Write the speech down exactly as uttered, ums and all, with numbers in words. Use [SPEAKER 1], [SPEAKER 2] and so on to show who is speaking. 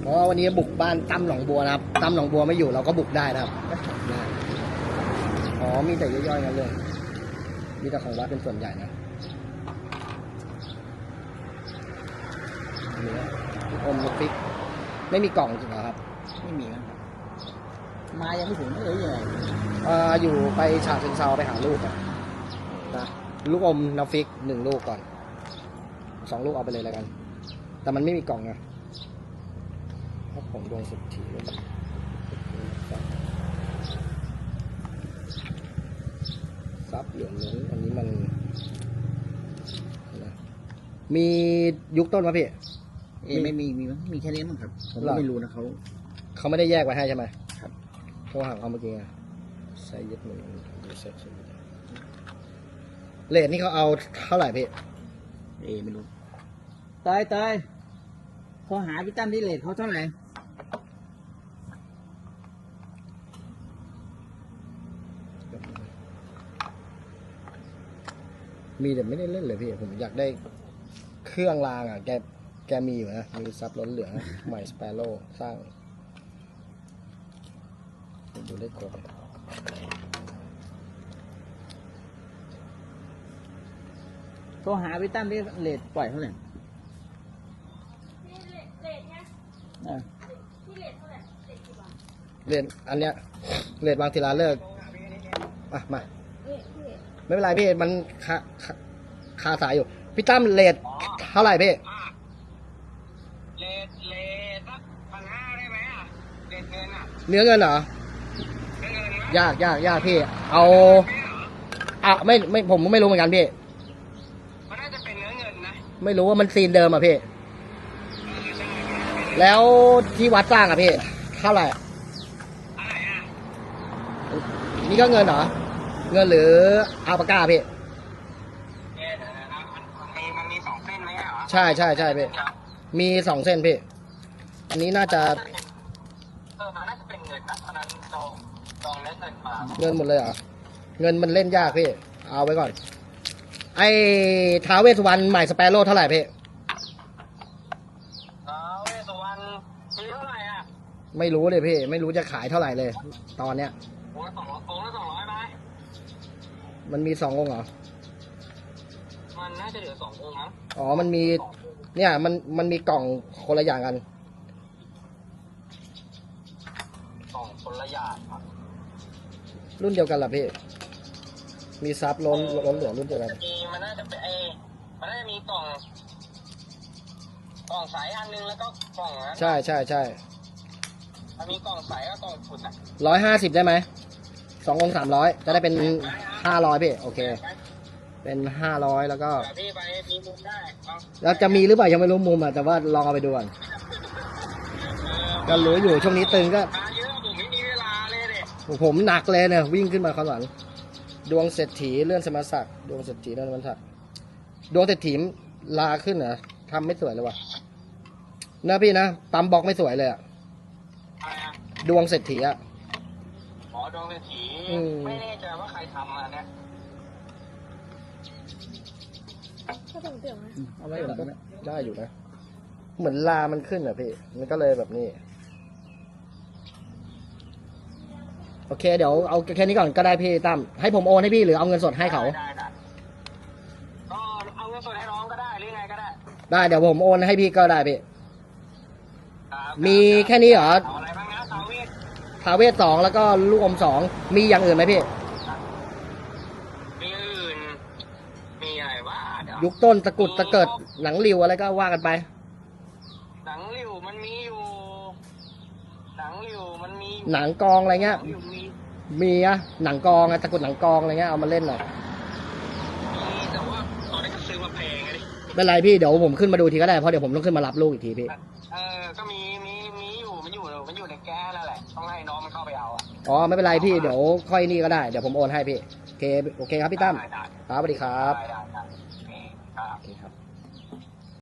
[SPEAKER 1] ราะว่าวันนี้บุกบ้านตั้มหนองบัวนะครับตั้มหนองบัวไม่อยู่เราก็บุกได้นะครับอ๋อมีแต่ย่อยๆกันเลยมีแต่ของวัดเป็นส่วนใหญ่นะนี่อมลูกฟิกไม่มีกล่องจริงเหรอครับ
[SPEAKER 2] ไม่มีครับมายังไม่ถึงเลยยังไง
[SPEAKER 1] อ่าอยู่ไปฉาเชิงเซาไปหาลูกอ่ะนะลูกอมน้ำฟิกหนึ่งลูกก่อนสองลูกเอาไปเลยแล้วกันแต่มันไม่มีกล่องไงเพราะผมดวงสุดทีเลยซับเหลืองนู้นอันนี้มันมียุคต้นป่ะพี่
[SPEAKER 2] เอไม่มีมีมั้ยมีแค่นี้มั้งครับผมก็ไม่รู้นะเขา
[SPEAKER 1] เขาไม่ได้แยกไว้ให้ใช่ไหม
[SPEAKER 2] ครับ
[SPEAKER 1] โทรหาเขาเมื่อกี้ไงใส่ยึดมือเลทนี่เขาเอาเท่าไหร่พี่
[SPEAKER 2] เอไม่รู้ตายตายพอหาพี่ตั้มที่เลทเขาเท่าไหร่
[SPEAKER 1] มีแต่ไม่ได้เล่นเลยพี่ผมอยากได้เครื่องรางอ่ะแกแกมีอยู่นะมีซับล้นเหลืองใหม่สเปโร่สร้างดูได้ครบ
[SPEAKER 2] โทรหาพี่ตั้มที่เลทปล่อยเท่าไหร่
[SPEAKER 3] เลทเนี่ยที่เลทเท่าไหร่เลทกี่บาท
[SPEAKER 1] เลทอันเนี้ยเลทบางทีลาเลิกอ่ะมาไม่เป็นไรพี่มันคาคาสายอยู่พี่ตั้มเลทเท่าไหร่พี่
[SPEAKER 4] เลทเลทสักพันห้าได้ไหมอ่ะเลทเงินอ่ะ
[SPEAKER 1] เนื้อเงินเหรอ
[SPEAKER 4] เงิน
[SPEAKER 1] ยากยากยากพี่เอาอ่ะไม่ไม่ผมไม่รู้เหมือนกันพี่
[SPEAKER 4] มันน่าจะเป็นเนื้อเงินนะ
[SPEAKER 1] ไม่รู้ว่ามันซีนเดิมอ่ะพี่แล้วที่วัดสร้างอ่ะพี่เท่าไหร่
[SPEAKER 4] อะไรอ่ะ
[SPEAKER 1] นี่ก็เงินเหรอเงินหรืออาปากาพี่
[SPEAKER 4] เดี๋ยวนะมันมีมันมีสองเส้นไหมเหรอ
[SPEAKER 1] ใช่ใช่ใช่พี่มีสองเส้นพี่อันนี้น่าจะ
[SPEAKER 4] เออมันน่าจะเป็นเงินนะเพราะนั้นจองจองเล่นเงินมา
[SPEAKER 1] เงินหมดเลยเหรอเงินมันเล่นยากพี่เอาไว้ก่อนไอ้ท้าวเวสสุวรรณใหม่สเปโร่เท่าไหร่พี่
[SPEAKER 4] ท้าวเวสสุวรรณมีเท่าไหร่อ่ะ
[SPEAKER 1] ไม่รู้เลยพี่ไม่รู้จะขายเท่าไหร่เลยตอนเนี้ย
[SPEAKER 4] โอ้ละสองร้อยโอ้ละสองร้อยไหม
[SPEAKER 1] มันมีสององค์เหรอ
[SPEAKER 4] มันน่าจะเหลือสององค์นะ
[SPEAKER 1] อ๋อมันมีเนี่ยมันมันมีกล่องคนละอย่างกัน
[SPEAKER 4] กล่องคนละอย่างครับ
[SPEAKER 1] รุ่นเดียวกันเหรอพี่มีซับล้นล้นเหลือรุ่นเดียวกัน
[SPEAKER 4] มันน่าจะเป็นไอมันน่าจะมีกล่องกล่องใสอันนึงแล้วก็กล่องนั้น
[SPEAKER 1] ใช่ใช่ใช่
[SPEAKER 4] มันมีกล่องใสกับกล่องฝุ่นอ่ะ
[SPEAKER 1] ร้อยห้าสิบได้ไหมสององค์สามร้อยจะได้เป็นห้าร้อยพี่โอเคเป็นห้าร้อยแล้วก็
[SPEAKER 4] พี่ไปมีมุมได้
[SPEAKER 1] แล้วจะมีหรือเปล่ายังไม่รู้มุมอ่ะแต่ว่าลองเอาไปดูก่อนก็รู้อยู่ช่วงนี้ตึงก็
[SPEAKER 4] เยอะผมไม่มีเวลาเลยเด็
[SPEAKER 1] กผมหนักเลยเนี่ยวิ่งขึ้นมาข้างหลังดวงเศรษฐีเลื่อนสมศักดิ์ดวงเศรษฐีเลื่อนสมศักดิ์ดวงเศรษฐีลาขึ้นเหรอทำไม่สวยเลยว่ะนะพี่นะปั๊มบล็อกไม่สวยเลยอ่ะดวงเศรษฐีอ่ะ
[SPEAKER 4] อ๋อดวงเศรษฐีไม่แน่ใจว่าใครทำมาเนี่ย
[SPEAKER 3] ก็ต้องเตือนนะ
[SPEAKER 1] เอาไว้ก่อนได้อยู่นะเหมือนลามันขึ้นอ่ะพี่มันก็เลยแบบนี้โอเคเดี๋ยวเอาแค่นี้ก่อนก็ได้พี่ตั้มให้ผมโอนให้พี่หรือเอาเงินสดให้เขา
[SPEAKER 4] ได้ได้ก็เอาเงินสดให้น้องก็ได้หรือไงก็ได้
[SPEAKER 1] ได้เดี๋ยวผมโอนให้พี่ก็ได้พี่มีแค่นี้เหรอ
[SPEAKER 4] อะไรบ้างนะทาเวศ
[SPEAKER 1] ทาเวศสองแล้วก็ลูกอมสองมีอย่างอื่นไหมพี่
[SPEAKER 4] มีอื่นมีอะไรวะ
[SPEAKER 1] ยุคต้นตะกุดตะเกิดหนังริวอะไรก็ว่ากันไป
[SPEAKER 4] หนังริวมันมีอยู่หนังริวมันมี
[SPEAKER 1] หนังกองอะไรเงี้ยมีอะหนังกองอะตะกุดหนังกองอะไรเงี้ยเอามาเล่นหน่อย
[SPEAKER 4] มีแต่ว่าตอนนี้ก็ซื้อมาแพงเลย
[SPEAKER 1] เป็นไรพี่เดี๋ยวผมขึ้นมาดูทีก็ได้เพราะเดี๋ยวผมต้องขึ้นมารับลูกอีกทีพี่
[SPEAKER 4] เออก็มีมีมีอยู่มันอยู่มันอยู่ในแก้นั่นแหละต้องให้น้องมันเข้าไปเอา
[SPEAKER 1] อ๋อไม่เป็นไรพี่เดี๋ยวค่อยนี่ก็ได้เดี๋ยวผมโอนให้พี่โอเคโอเคครับพี่ตั้มครับสวัสดีครับโอเคครับ